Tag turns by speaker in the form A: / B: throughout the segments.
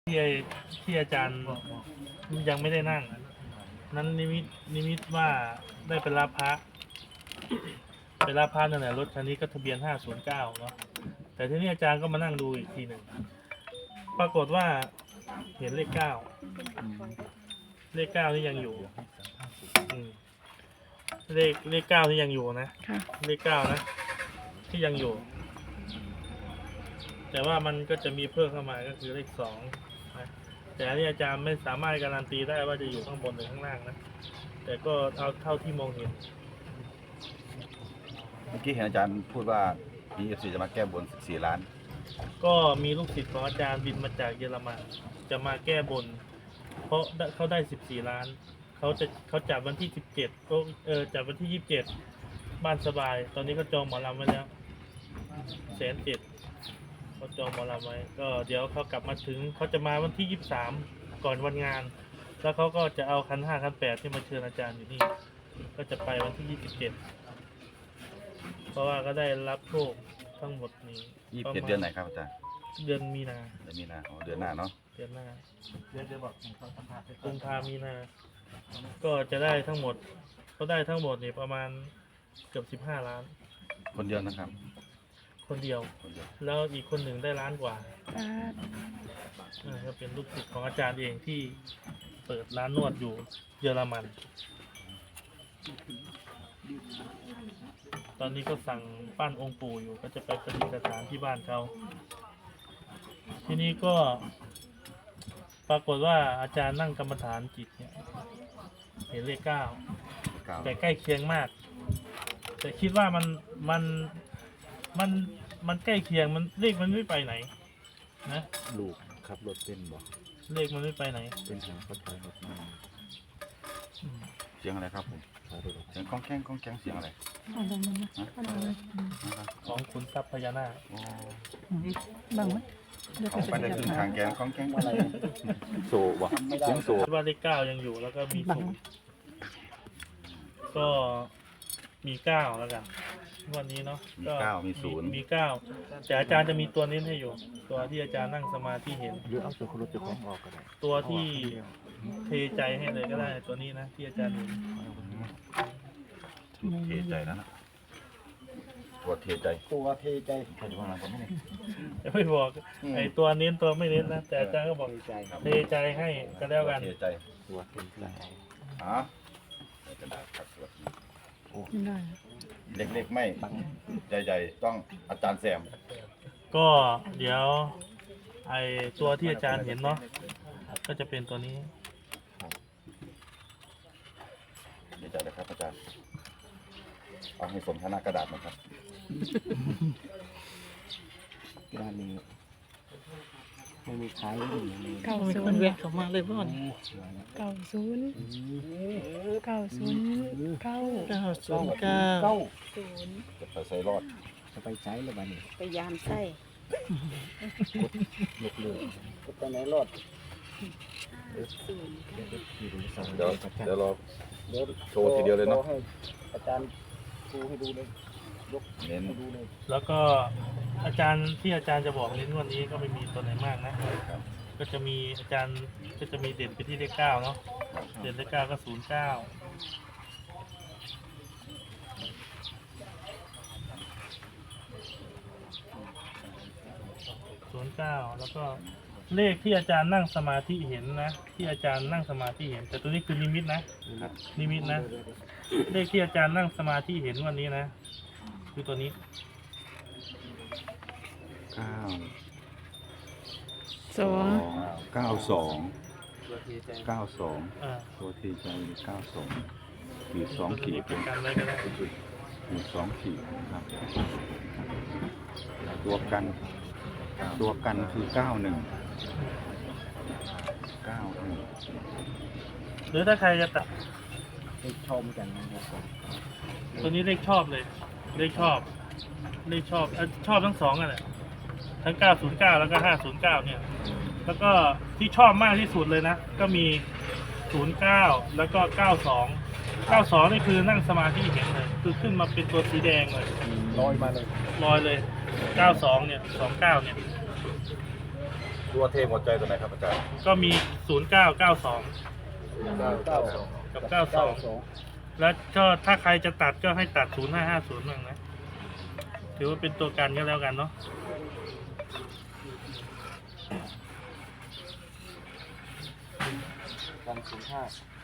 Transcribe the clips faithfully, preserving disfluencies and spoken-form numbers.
A: ที่ที่อาจารย์ยังไม่ได้นั่งนั้นนิมิตนิมิตว่าได้ไปรับพระไปรับพระนั่นแหละรถคันนี้ก็ทะเบียนห้าศูนย์เก้าเนาะแต่ทีนี้อาจารย์ก็มานั่งดูอีกทีหนึ่งปรากฏว่าเห็นเลขเก้าเลขเก้าที่ยังอยู่อืมเลขเลขเก้าที่ยังอยู่นะเลขเก้านะที่ยังอยู่แต่ว่ามันก็จะมีเพิ่มเข้ามาก็คือเลขสองนะแต่อันนี้อาจารย์ไม่สามารถการันตีได้ว่าจะอยู่ข้างบนหรือข้างล่างนะแต่ก็เอาเท่าที่มองเห็น
B: เมื่อกี้เห็นอาจารย์พูดว่ามี เอฟ ซี จะมาแก้บนสิบสี่ล้าน
A: ก็มีลูกศิษย์ของอาจารย์บินมาจากเยอรมันจะมาแก้บนเพราะเขาได้สิบสี่ล้านเขาจะเขาจัดวันที่สิบเจ็ดก็เออจัดวันที่ยี่สิบเจ็ดบ้านสบายตอนนี้เขาจองหมอลำไว้แล้วแสนเจ็ดเขาจองหมอลำไว้ก็เดี๋ยวเขากลับมาถึงเขาจะมาวันที่ยี่สิบสามก่อนวันงานแล้วเขาก็จะเอาคันห้าคันแปดที่มาเชิญอาจารย์อยู่นี่ก็จะไปวันที่ยี่สิบเจ็ดเพราะว่าก็ได้รับโชคทั้งหมดนี้
B: ยี่สิบเจ็ดเดือนไหนครับอาจารย์
A: เดือนมีนา
B: เดือนมีนาอ๋อเดือนหน้าเนาะ
A: เดือนหน้าเดือนจะบอกกุมภามีนาก็จะได้ทั้งหมดเขาได้ทั้งหมดนี่ประมาณเกือบสิบห้าล้าน
B: คนเดียวนะครับ
A: คนเดียวแล้วอีกคนหนึ่งได้ล้านกว่าก็เป็นลูกศิษย์ของอาจารย์เองที่เปิดร้านนวดอยู่เยอรมันตอนนี้ก็สั่งปั้นองค์ปู่อยู่ก็จะไปประดิษฐานที่บ้านเขาทีนี้ก็ปรากฏว่าอาจารย์นั่งกรรมฐานจิตเนี่ยเห็นเลขเก้าแต่ใกล้เคียงมากแต่คิดว่ามันมันมันมันใกล้เคียงมันเลขมันไม่ไปไหนนะ
C: ลูกขับรถเป็นบ่
A: เลขมันไม่ไปไหน
C: เป็นทางเขาถอยรถมา
B: เสียงอะไรครับผมเสียงก้องแก้งก้องแก้งเสียงอะไร
A: ของคุณทรัพย์พญานาค
D: บังไหม
B: ของไปได้ขึ้นทางแกงก้องแก้งอะไรโซ่บ่เสียงโซ่
A: ว่าเลขเก้ายังอยู่แล้วก็มีศูนย์ก็มีเก้าแล้วกันวันนี้เนาะ
B: มีเก้ามีศูนย์
A: มีเก้าแต่อาจารย์จะมีตัวนี้ให้อยู่ตัวที่อาจารย์นั่งสมาธิเห็น
C: หรือเอาตัวรถจะของออกก็ได้
A: ตัวที่เทใจให้เลยก็ได้ตัวนี้นะที่อาจารย์เห็น
B: เทใจแล้วนะตัวเทใจ
C: ตัวเทใจ
B: ใครจะว่าอะไรผมไม่ได้
A: ไม่บอกไอตัวเน้นตัวไม่เน้นนะแต่อาจารย์ก็บอกเทใจให้ก็แล้วกัน
B: เทใจ
C: ตัวเทใจ
B: อ๋อในกระดาษครับตัว
D: ได้
B: เล็กๆไม่ใหญ่ๆต้องอาจารย์แซม
A: ก็เดี๋ยวไอตัวที่อาจารย์เห็นเนาะก็จะเป็นตัวนี้
B: เดี๋ยวจะเลยครับอาจารย์เอาให้สมฐานะกระดาษนะครับ
C: กระดาษนี้ไม่มีขายเลย
D: เก้าศูนย์เวทเขามาเลยพ่อเก้าศูนย์เก้าศูนย์เก้าเก้าศูนย์เก้า
B: ศูนย์จะไปใส่รอด
C: จะไปใช้หรือเปล่านี่
D: ไปยามไส้
C: ลุกเลยก็ไปไหนรอด
B: เดี๋ยวเดี๋ยวรอโชว์ทีเดียวเลยเนาะ
C: อาจารย์ดูให้ดูเลยยก
B: เน้น
C: ดูเลย
A: แล้วก็อาจารย์ที่อาจารย์จะบอกเน้นวันนี้ก็ไม่มีตัวไหนมากนะก็จะมีอาจารย์ก็จะมีเด่นไปที่เลขเก้าเนาะเด่นเลขเก้าก็ศูนย์เก้าศูนย์เก้าแล้วก็เลขที่อาจารย์นั่งสมาธิเห็นนะที่อาจารย์นั่งสมาธิเห็นแต่ตัวนี้คือนิมิตนะนิมิตนะเลขที่อาจารย์นั่งสมาธิเห็นวันนี้นะคือตัวนี้
B: เก้า
D: สอง
B: เก้าสองเก้าสองตัวทีใจเก้าสองขีดสองขีด
A: เป็นกันอะไรก็ได้
B: ขีดสองขีดครับตัวกันตัวกันคือเก้าหนึ่งเก้าหนึ่ง
A: หรือถ้าใครจะตัด
C: เลขชอบกันนะครับ
A: ตัวนี้เลขชอบเลยเลขชอบเลขชอบชอบทั้งสองอ่ะแหละทั้งเก้าศูนย์เก้าแล้วก็ห้าศูนย์เก้าเนี่ยแล้วก็ที่ชอบมากที่สุดเลยนะก็มีศูนย์เก้าแล้วก็เก้าสองเก้าสองนี่คือนั่งสมาธิเห็นเลยคือขึ้นมาเป็นตัวสีแดงเลย
C: ลอยมาเลย
A: ลอยเลยเก้าสองเนี่ยสองเก้าเนี่ย
B: ตัวเทหัวใจตัวไหนครับอาจารย์
A: ก็มีศูนย์เก้าเก้าสอง
B: เก้าเก้าสอง
A: กับเก้าสองแล้วก็ถ้าใครจะตัดก็ให้ตัดศูนย์ห้าห้าศูนย์บ้างนะถือว่าเป็นตัวกันก็แล้วกันเนาะ
C: วันศูนย์ห้าง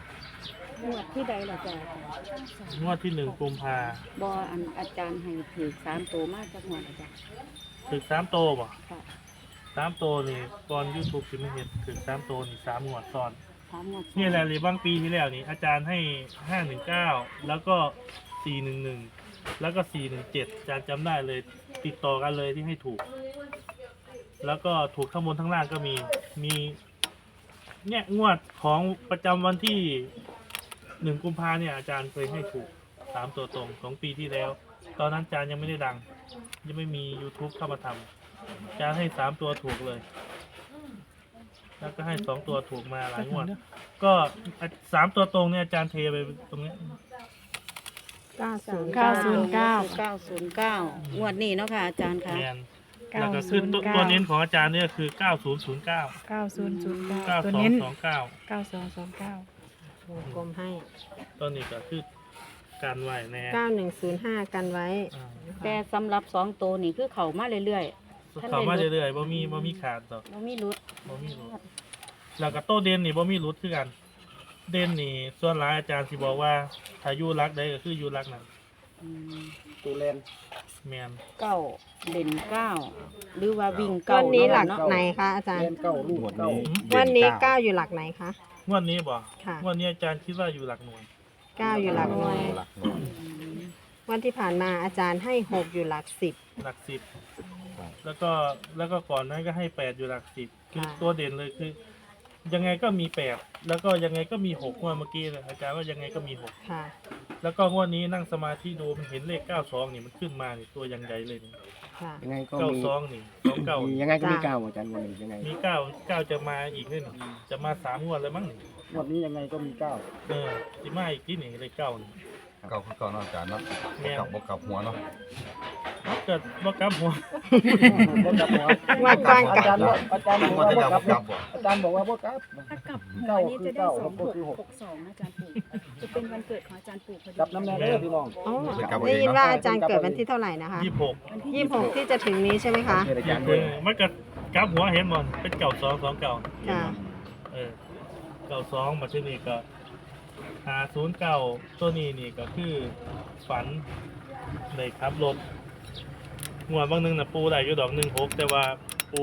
E: วดที่ใดล่ะจ้ะ
A: งวดที่หนึ่งกุมภา
E: บออันอาจารย์ให้ถือสามตัวมากจากงวดอาจารย์
A: ถึงสามโตบ่
E: ค่ะ
A: สามโตนี่ก่อนยูทูบจะไม่เห็นถึงสามโตนี่สามงวดซ้อน
E: สามงวด
A: นี่แหละหรือบางปีที่แล้วนี่อาจารย์ให้ห้าหนึ่งเก้าแล้วก็สี่หนึ่งหนึ่งแล้วก็สี่หนึ่งเจ็ดอาจารย์จำได้เลยติดต่อกันเลยที่ให้ถูก แล้วก็ถูกข้างบนทั้งล่างก็มีมีเนี่ยงวดของประจำวันที่หนึ่งกุมภาเนี่ยอาจารย์เคยให้ถูกสามตัวตรงของปีที่แล้ว ตอนนั้นอาจารย์ยังไม่ได้ดัง ยังไม่มี YouTube เข้ามาทำอาจารย์ให้สามตัวถูกเลย แล้วก็ให้สองตัวถูกมาหลายงวด ก็สามตัวตรงเนี่ยอาจารย์เทไปตรงนี้
D: เก้าศูนย์
E: เก้า
D: เก้า
E: ศู
D: ศู
E: น
D: น
E: ย์
D: ย์
E: เก้า
D: เก้า
E: เก้าศูนย์เก้างวดนี้เนาะค่ะอาจารย์ค่ะ
A: แมนแล้วก็ขึ้นตัวตัวเน้นของอาจารย์เนี่ยคือเก้าศูนย์ศูนย์เก้า
D: เก้าศูนย์ศูนย์เก้า
A: เก้า
D: ตัว
A: สอง
D: เน้น
A: สองเก้า
D: เก้าสองสองเก้า
F: วงกลมให้
A: ตัวนี้ก็คือการไหวแน่
F: เก้าหนึ่งศูนย์ห้ากันไว้
A: อ่า
E: แต่สำหรับสองตัวนี่คือเขามาเรื่อย ท่าน
A: เขามา
E: ได้ลด
A: เรื่อยๆบ่มีบ่มีขาดต่อก
E: ๆบ่มีรุด
A: บ่มีรุดแล้วก็โตเด่นนี่บ่มีรุดคือกัน เด่นนี่ส่วนหลายอาจารย์สิบอกว่าถ้าอยู่รักใดก็คืออยู่รักนั้น
E: อืม
C: ตัวเลน
A: แมน
E: เก้าเด่นเก้าหรือว่าวิ่งเก้า
F: วันนี้หลัก
E: เนาะ
F: ไหนคะอาจาร
C: เล
F: ย์
C: นเก้าลูกเก้า
F: วันนี้เก้าอยู่หลักไหนคะ
A: งวดนี้บ่
F: ค่ะ
A: งวดนี้อาจารย์คิดว่าอยู่หลักหน่วย
F: เก้าอยู่หลักหน่วย
B: หลักหน่วย
E: อืม
F: วันที่ผ่านมาอาจารย์ให้หกอยู่หลักสิบ
A: หลักสิบแล้วก็แล้วก็ก่อนนั้นก็ให้แปดอยู่หลักสิบคือ
F: ค่ะ
A: ตัวเด่นเลยคือ ยังไงก็มีแปดแล้วก็ยังไงก็มีหกงวดเมื่อกี้เลยอาจารย์ว่ายังไงก็มีหก
F: ค่ะ
A: แล้วก็งวดนี้นั่งสมาธิดูมันเห็นเลขเก้าสองนี่มันขึ้นมานี่ตัวยังใหญ่เลยนี่
F: ค่ะ
C: ยังไงก็
A: เก้า
C: มี
A: สองนี่สองเก้า
C: มียังไงก็มีเก้าอาจารย์วันนี้ยังไง
A: มีเก้าเก้าจะมาอีกนี่นี่จะมาสามงวดแล้วมั้งนี่
C: วันนี้ยังไงก็มีเก้า
A: เออสิมาอีกที่นี่เลขเก้านี่
B: เก้าคือเก้าเนาะอาจารย์เนาะ
A: แม่น
B: กับบวกกับหัวเนาะ
A: เกิดบ่กลับหัว
C: บ่กลับหัว
F: ว่าก่อน
C: อาจารย์ว่าอาจารย์บอก
B: หัว
C: ว่า
B: จะ
C: บ่
B: ยาว
C: กลับ
B: กับบ่
C: อาจารย์บอกว่าบ่กลับ
E: ถ้ากลับ
C: เก้า
E: หัวนี้
C: คือ
E: จะได้
C: เก้า
E: สอง
C: หกคือหก
E: หกสองนะอาจารย์ปู่จะเป็นวันเกิดของอาจารย์ปู่พอดี
C: กลับน้ำแน่เด้อพี่น้อง
F: อ๋อได้ยินว่าอาจารย์เกิดวันที่เท่าไหร่นะคะ
A: ยี่สิบหก
E: วันที่
F: ยี่สิบหกที่จะถึงนี้ใช่ไหมคะ
C: เชิญอาจารย์
A: เอ
C: ด้วย
A: อมันก็กลับหัวเห็นบ่เป็นเก่าสองสองเก่า
F: ค่ะ
A: เออเก่าสองมาที่นี่ก็หาศูนย์เก่าตัวนี้นี่ก็คือฝันในขับรถงวดบางหนึงน่ะปูได้อยู่ดอกหนึ่งหกแต่ว่าปู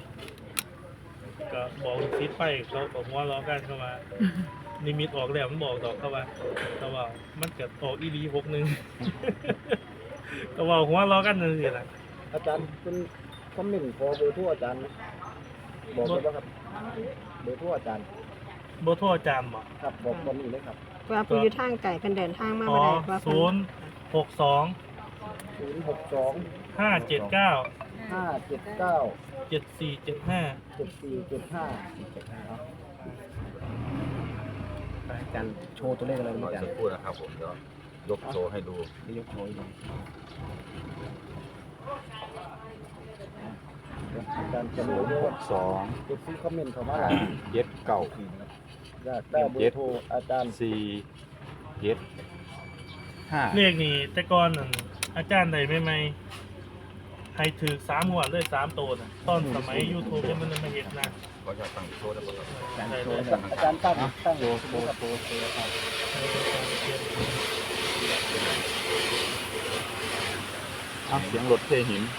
A: ก็บอกซิดไปเขาบอกว่าล้อกันเข้ามานิมิตออกแล้วมันบอกดอกเข้ามาเขาว่ามันเกิดออกอีดีหกหนึ่ง ก็ว่าหัวล้อกันนั่นสิล่ะ
C: อาจารย์เป็นคอมเมนต์ขอเบอร์โทรอาจารย์นะบอกเลยว่าครับเบอร์โทรอาจารย์
A: โบโทรอาจารย์บอก
C: ครับบอกตอนนี้เลยครับ
F: ว่าผู้อยู่ทางไก่เป็นเดินทางมา
A: อ๋อ
F: บ่ได้ว่าเพิ่
A: ศูน
F: น
A: ย์หกสอง
C: ศูนย์หกสอง
A: ห้าเจ็ดเก้า
C: ห้าเจ็ดเก้า
A: เจ็ดสี่เจ็ดห้า
C: เจ็ดสี่เจ็ดห้าอาจารย์โชว์ตัวเลขอะไร
B: หน่อย
C: อาจาร
B: สัก
C: ย์
B: ครู่นะครับผมเดี๋ยวยกโชว์ให้ดู
C: จะยกโชว์ให้ดูอาจารย์จะรู้ด้วย
B: หกสอง
C: เก็บซีคอมเมนต์เข้ามาหลาย
B: เจ็ดเก้า
C: อยากได้เบอร์โทรอาจารย์
B: สี่เจ็ดห้า
A: เลขนี่แต่ก่อนนั่นอาจารย์ใดไม่ไม่ให้ถือสามหัวดเลยสามตัวน่ะตอนสมัยยูทูบยังมันยังไม่เห็นนะ
B: ขอจะตั้งโชว์ได้ป่ะครับ
C: อาจารย์โชว์อาจารย์ตั้งตั้งโชว์โชว์โชว์โชว์ครับ
B: อ่ะเสียงรถเทหิน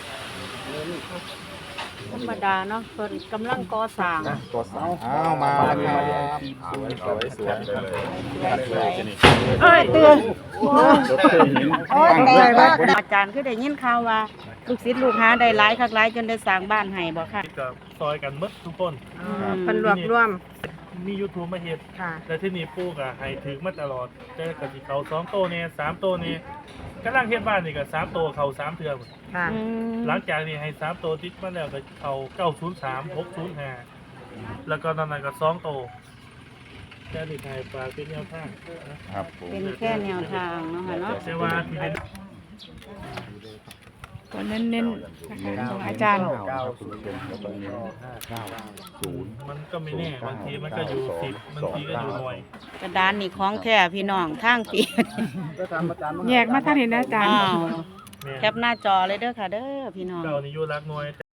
E: ธรรมดาเนาะเพิ่นกำลังก่อสร้าง
B: นะก็สาวอ้าวมาแล้วครับสวยสวยสวยเลยจะนี่
E: เอ้ยเตือน
B: รถเทหิน
E: โอ้ยแต่ว่าอาจารย์คือได้ยินข่าวว่าลูกศิษย์ลูกหาได้หลายคักหลายจนได้สร้างบ้านให้บ่ค่ะ
A: ก็ซอยกันหมดทุกคน
F: อ๋อเพิ่นรวบรวม
A: มียูทูบมาเห็น
F: ค่ะ
A: แต่ที่นี่ปู่ก็ให้ถือมาตลอดแต่ก็สิเขาสองโตวเนี่ยสามโตวเนี่ยกำลังเฮ็ดบ้านนี่ก็สามโตวเขาสามเทือหมด
F: ค่ะ
E: อืม
A: หลังจากนี้ให้สามโตวติดมาแล้วก็เขาเก้าศูนย์สามหกศูนย์ห้าแล้วก็นั่นน่ะก็สองโตวแค่นี้ไทยฝากเป็นแนวทางนะครับ
B: ผม
E: เป็นแค่แนวทางเนาะค่ะเนาะ
A: แต่ว่าที่เป็น
D: ตัวเน้นๆนะคะของอาจารย์
B: เก้าศูนย์แล้วก็เน้นเก้าศูนย์
A: มันก็ไม่แน่บางทีมันก็อยู่สิบบางทีก็อยู่หน่วย
E: กระดานนี่ของแท้พี่น้องทางปี
C: ก็ตามอาจารย์
D: แยกมาทางนี้นะอาจารย์
E: อ้าว
A: แม่น
E: แคปหน้าจอเลยเด้อค่ะเด้อพี่น้อง
A: เก้านี่อยู่รักหน่วย